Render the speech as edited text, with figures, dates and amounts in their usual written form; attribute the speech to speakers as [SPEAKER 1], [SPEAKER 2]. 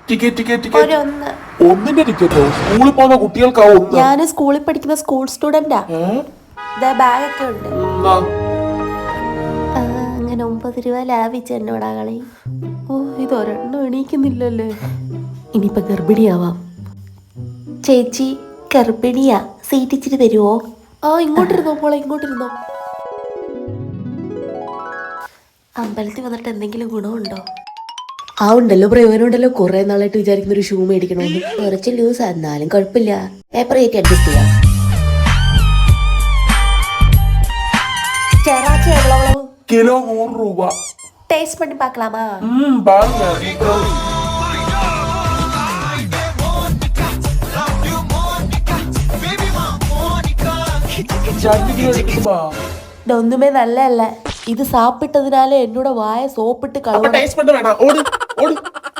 [SPEAKER 1] ഒന്നിന്റെ ടിക്കറ്റോ? സ്കൂളിൽ പോകുന്ന കുട്ടികൾക്കാ ഒന്ന്.
[SPEAKER 2] ഞാൻ സ്കൂളിൽ പഠിക്കുന്ന സ്കൂൾ സ്റ്റുഡന്റാ. ബാഗൊക്കെ ഉണ്ട്. അങ്ങനെ 9 രൂപ ലാഭിച്ച എന്നോടാ കളി. ഓ, ഇതൊരെണ്ണം എണീക്കുന്നില്ലല്ലേ. ഇനിയിപ്പൊ ഗർഭിണിയാവാം. ചേച്ചി ഗർഭിണിയാ, സീറ്റ് ഇച്ചിരി തരുവോ? ഇങ്ങോട്ടിരുന്നോ മോളെ, ഇങ്ങോട്ടിരുന്നോ. അമ്പലത്തിൽ വന്നിട്ട് എന്തെങ്കിലും ഗുണമുണ്ടോ? ഉണ്ടല്ലോ, പ്രയോജനമുണ്ടല്ലോ. കുറെ നാളായിട്ട് വിചാരിക്കുന്ന ഒരു ഷൂ മേടിക്കണമെന്ന്. കുറച്ച് ലൂസ് എന്നാലും കുഴപ്പമില്ല, പേപ്പർ കയറ്റി അഡ്ജസ്റ്റ് ചെയ്യാം.
[SPEAKER 1] കിലോ 100 രൂപ.
[SPEAKER 2] ടേസ്റ്റ് പണി പാക്കലാമാ? ഒന്നുമേ നല്ലല്ല. ഇത് സാപ്പിട്ടതിനാലെ എന്നോട് വായ സോപ്പിട്ട് കളവ്.